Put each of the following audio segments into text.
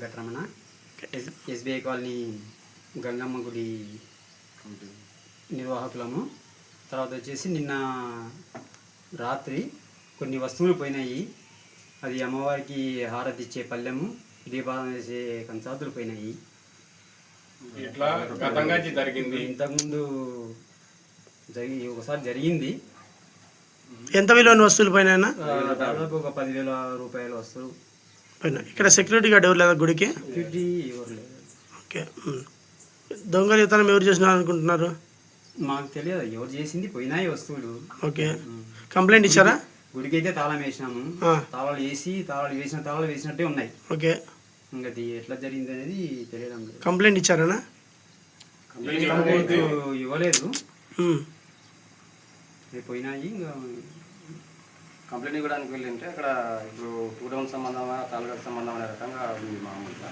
Venkataramana, SBI colony Gangamma గుడి నిర్వాహకులము. తర్వాత వచ్చేసి నిన్న రాత్రి కొన్ని వస్తువులు పోయినాయి. అది అమ్మవారికి హారతి ఇచ్చే పళ్ళెము, దీపావళి వేసే కంచాతులు పోయినాయి. ఇంతకుముందు ఒకసారి జరిగింది. ఎంత విలువైన వస్తువులు పైన? దాదాపు ఒక 10,000 రూపాయల వస్తువులు పైన. ఇక్కడ సెక్యూరిటీ గార్డ్ ఎవరు లేదా గుడికి? సెక్యూరిటీ ఎవరు లేదు. ఓకే. దొంగలితనం ఎవరు చేసినారు అనుకుంటున్నారు? మాకు తెలియదు ఎవరు చేసింది, పోయినాయి వస్తువులు. ఓకే. కంప్లైంట్ ఇచ్చారా? గుడికి అయితే తాళం వేసినాము. తాళాలు వేసిన తాళాలు వేసినట్టే ఉన్నాయి. ఓకే. ఇంకా ఎట్లా జరిగింది అనేది తెలియడం లేదు. కంప్లైంట్ ఇచ్చారా? కంప్లైంట్ ఇవ్వలేదు, పోయినాయి. ఇంకా కంప్లైంట్ ఇవ్వడానికి వెళ్ళింటే అక్కడ ఇప్పుడు 2 టౌన్ సంబంధమా తాలూకాకు సంబంధం అనే రకంగా ఉంది మామూలుగా.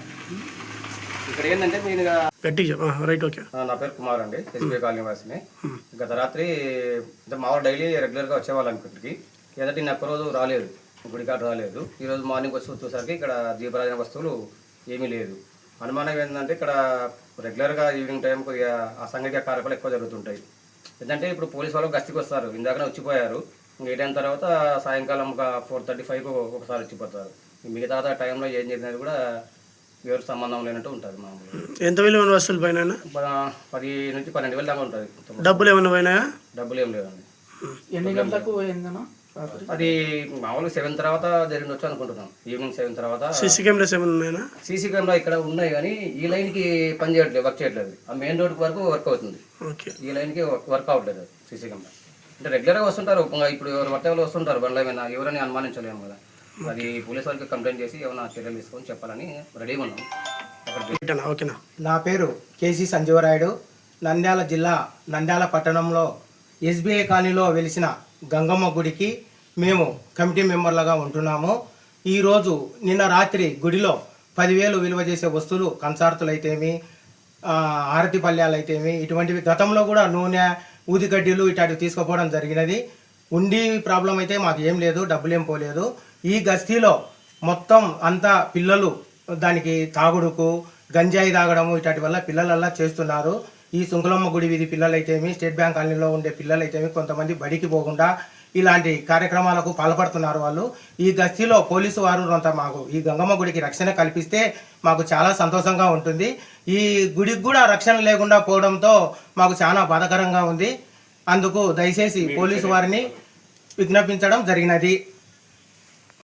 ఇక్కడ ఏంటంటే మీరు రైట్. ఓకే. నా పేరు కుమార్ అండి, ఎస్బీఐ కాలనీ వాసిని. గత రాత్రి మామూలు డైలీ రెగ్యులర్గా వచ్చేవాళ్ళం ఇక్కడికి. ఏదంటే నేను ఒక్కరోజు రాలేదు, గుడికాడ రాలేదు. ఈరోజు మార్నింగ్ వచ్చి చూసేసరికి ఇక్కడ దీపారాధన వస్తువులు ఏమీ లేదు. అనుమానం ఏంటంటే ఇక్కడ రెగ్యులర్గా ఈవినింగ్ టైం కొద్దిగా అసాంఘిక కార్యక్రమాలు ఎక్కువ జరుగుతుంటాయి. ఏంటంటే ఇప్పుడు పోలీసు వాళ్ళు గస్తీకి వస్తారు, ఇందాకనే వచ్చిపోయారు. ఇంకా 8 తర్వాత సాయంకాలం ఒక 4:35 ఒకసారి వచ్చిపోతారు. మిగతా టైంలో ఏం జరిగినది కూడా ఎవరు సంబంధం లేనట్టు ఉంటుంది మామూలుగా. ఎంత విలువైన వస్తువులు పైన? 10 నుంచి 12,000 దాకా ఉంటుంది. డబ్బులు ఏమైనా పోయినాయా? డబ్బులు ఏం లేదండి. ఎన్ని గంటలకు పోయిందన్నా? అది మామూలుగా 7 తర్వాత జరిగిండొచ్చు అనుకుంటున్నాం. ఈవినింగ్ 7 తర్వాత. సీసీ కెమెరాస్ ఏమైనా ఉన్నాయా? సీసీ కెమెరా ఇక్కడ ఉన్నాయి కానీ ఈ లైన్కి పని చేయట్లేదు, వర్క్ చేయట్లేదు. ఆ మెయిన్ రోడ్ వరకు వర్క్ అవుతుంది, ఈ లైన్కి వర్క్ అవ్వట్లేదు సీసీ కెమెరా. అంటే రెగ్యులర్గా వస్తుంటారు, ఇప్పుడు ఎవరు పట్టే వాళ్ళు వస్తుంటారు బండ్ల మీద, ఎవరని అనుమానించలేము కదా. అది పోలీసు వాళ్ళకి కంప్లైంట్ చేసి ఏమైనా చర్యలు తీసుకొని చెప్పాలని రెడీగా ఉన్నాం. ఓకేనా. నా పేరు కేసీ సంజీవరాయుడు. నంద్యాల జిల్లా నంద్యాల పట్టణంలో ఎస్బీఐ కాలనీలో వెలిసిన గంగమ్మ గుడికి మేము కమిటీ మెంబర్లుగా ఉంటున్నాము. ఈరోజు నిన్న రాత్రి గుడిలో 10,000 విలువ చేసే వస్తువులు, కంచార్తులు అయితేమి, ఆరతి పళ్ళ్యాలు అయితేమి, ఇటువంటివి గతంలో కూడా నూనె, ఊదిగడ్డీలు ఇట్లాంటివి తీసుకుపోవడం జరిగినది. ఉండి ప్రాబ్లం అయితే మాకు ఏం లేదు, డబ్బులు ఏం పోలేదు. ఈ గస్తీలో మొత్తం అంతా పిల్లలు దానికి తాగుడుకు, గంజాయి తాగడము ఇట్లాంటి వల్ల పిల్లలల్లా చేస్తున్నారు. ఈ సుంకులమ్మ గుడి వీధి పిల్లలైతేమి, స్టేట్ బ్యాంక్ కాలనీలో ఉండే పిల్లలైతేమి కొంతమంది బడికి పోకుండా ఇలాంటి కార్యక్రమాలకు పాల్పడుతున్నారు వాళ్ళు. ఈ గస్తీలో పోలీసు వారు మాకు ఈ గంగమ్మ గుడికి రక్షణ కల్పిస్తే మాకు చాలా సంతోషంగా ఉంటుంది. ఈ గుడికి కూడా రక్షణ లేకుండా పోవడంతో మాకు చాలా బాధాకరంగా ఉంది. అందుకు దయచేసి పోలీసు వారిని విజ్ఞాపించడం జరిగినది.